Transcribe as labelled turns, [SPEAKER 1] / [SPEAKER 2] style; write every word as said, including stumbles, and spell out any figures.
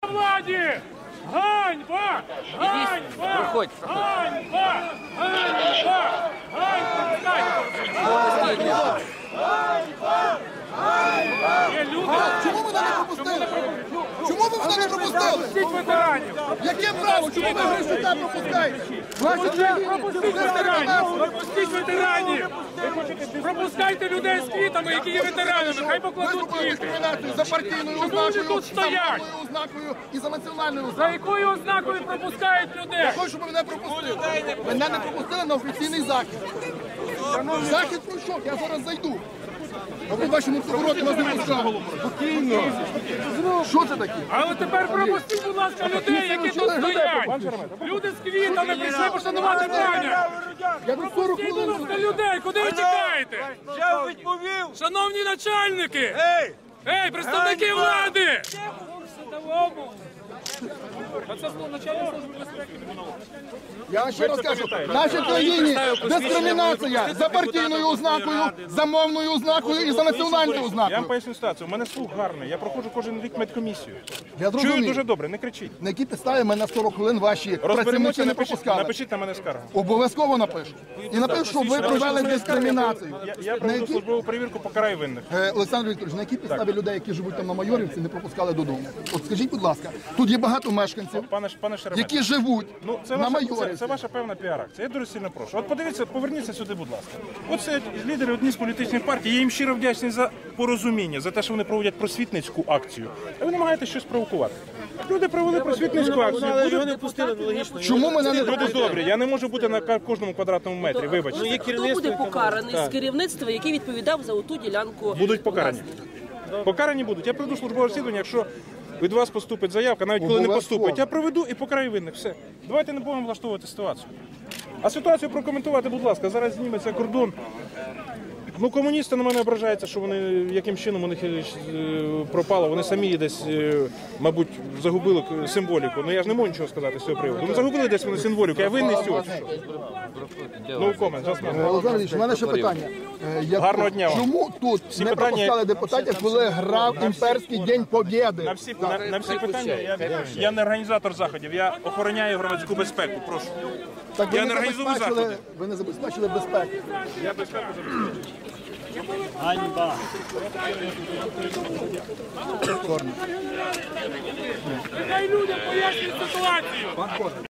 [SPEAKER 1] Владі! Ганьба! Ганьба!
[SPEAKER 2] Проходь,
[SPEAKER 1] Ганьба! Ганьба! Ганьба! Є люди.
[SPEAKER 3] Чому ви мене не пропустили? Чому ви мене не пропустили?
[SPEAKER 1] Пропустіть ветеранів!
[SPEAKER 3] Яке право? Чому ви Грищука пропускаєте?
[SPEAKER 1] Пропустіть ветеранів! Пропустіть ветеранів! Пропускайте людей з квітами, які є ветеранами! Хай
[SPEAKER 3] Ви
[SPEAKER 1] покладуть
[SPEAKER 3] зробили
[SPEAKER 1] квіти!
[SPEAKER 3] дискримінацію за партійною
[SPEAKER 1] Чому вони
[SPEAKER 3] ознакою,
[SPEAKER 1] тут
[SPEAKER 3] за
[SPEAKER 1] стоять?
[SPEAKER 3] мовною ознакою і за національною
[SPEAKER 1] За
[SPEAKER 3] ознакою.
[SPEAKER 1] якою ознакою пропускають людей?
[SPEAKER 3] Я хочу, щоб ви мене пропустили. Мене не пропустили на офіційний захід. Захід пройшов, я зараз зайду. А ви в вашому повороті вас не пускали. Спокійно. Що це таке?
[SPEAKER 1] Але тепер пропустіть, будь ласка, людей, які тут стоять! Люди з квітами прийшли пошанувати пам'ять!
[SPEAKER 3] Я до сорок
[SPEAKER 1] Пропустіть, будь
[SPEAKER 3] хвилин.
[SPEAKER 1] ласка, людей! Куди ви тікаєте?
[SPEAKER 4] Я відповів!
[SPEAKER 1] Шановні начальники!
[SPEAKER 4] Ей!
[SPEAKER 1] Ей, представники влади!
[SPEAKER 3] Я вам ще раз кажу, в нашій країні дискримінація за партійною ознакою, за мовною ознакою і за національною
[SPEAKER 5] Я вам
[SPEAKER 3] ознакою.
[SPEAKER 5] поясню ситуацію. У мене слух гарний. Я проходжу кожен рік медкомісію.
[SPEAKER 3] Я
[SPEAKER 5] Чую
[SPEAKER 3] зрозумів.
[SPEAKER 5] дуже добре, не кричіть.
[SPEAKER 3] На які підстави мене на сорок хвилин ваші
[SPEAKER 5] Розберемося,
[SPEAKER 3] працівники не
[SPEAKER 5] напишіть,
[SPEAKER 3] пропускали?
[SPEAKER 5] напишіть на мене скаргу.
[SPEAKER 3] Обов'язково напишу. І напишу, що ви провели дискримінацію.
[SPEAKER 5] Я, я
[SPEAKER 3] На
[SPEAKER 5] проведу
[SPEAKER 3] які...
[SPEAKER 5] службову перевірку, покараю винних.
[SPEAKER 3] Е, Олександр Вікторович, на які підстави людей, які живуть там на Майорівці, не пропускали додому? От скажіть, будь ласка, тут є багато мешканців,
[SPEAKER 5] Пане, пане Шеремет,
[SPEAKER 3] які живуть
[SPEAKER 5] ну, це,
[SPEAKER 3] на
[SPEAKER 5] ваша, це,
[SPEAKER 3] Майорівці.
[SPEAKER 5] це ваша певна піар-акція. Я дуже сильно прошу. От подивіться, поверніться сюди, будь ласка. От це лідери одні з політичних партій. Я їм щиро вдячний за порозуміння, за те, що вони проводять просвітницьку акцію. А ви намагаєтесь щось провокувати. Люди провели просвітницьку акцію.
[SPEAKER 4] Його не пустили логічно.
[SPEAKER 3] Чому мене не
[SPEAKER 5] Люди добрі, я не можу бути на кожному квадратному метрі, вибачте.
[SPEAKER 6] Хто буде покараний з керівництва, який відповідав за оту ділянку?
[SPEAKER 5] Будуть покарані. Покарані будуть. Я проведу службове розслідування, якщо від вас поступить заявка, навіть коли не
[SPEAKER 3] Обов'язково.
[SPEAKER 5] поступить, я проведу і покараю винних. Все. Давайте не будемо влаштовувати ситуацію. А ситуацію прокоментувати, будь ласка, зараз зніметься кордон. Ну, комуністи на мене ображаються, що вони, яким чином у них е, пропало. Вони самі десь, е, мабуть, загубили к- символіку. Ну я ж не можу нічого сказати з цього приводу. Ну загубили десь вони символіку, я винний з цього. чи що? No comment, just
[SPEAKER 3] Е,
[SPEAKER 5] no.
[SPEAKER 3] Олександр Ілліч, у мене ще питання. Е, я-
[SPEAKER 5] Гарного дня вам.
[SPEAKER 3] Чому тут
[SPEAKER 5] Всі
[SPEAKER 3] не
[SPEAKER 5] питання-
[SPEAKER 3] пропускали депутатів, коли грав імперський День Побєди?
[SPEAKER 5] На всі, на, на всі питання я, я не організатор заходів, я охороняю громадську безпеку. Прошу.
[SPEAKER 3] Так ви
[SPEAKER 5] Я
[SPEAKER 3] не
[SPEAKER 5] не організую
[SPEAKER 3] забезпечили-
[SPEAKER 5] заходи.
[SPEAKER 3] Ви не забезпечили безпеку.
[SPEAKER 5] Я безпеку забезпечую.
[SPEAKER 1] Нехай людям пояснюють ситуацію!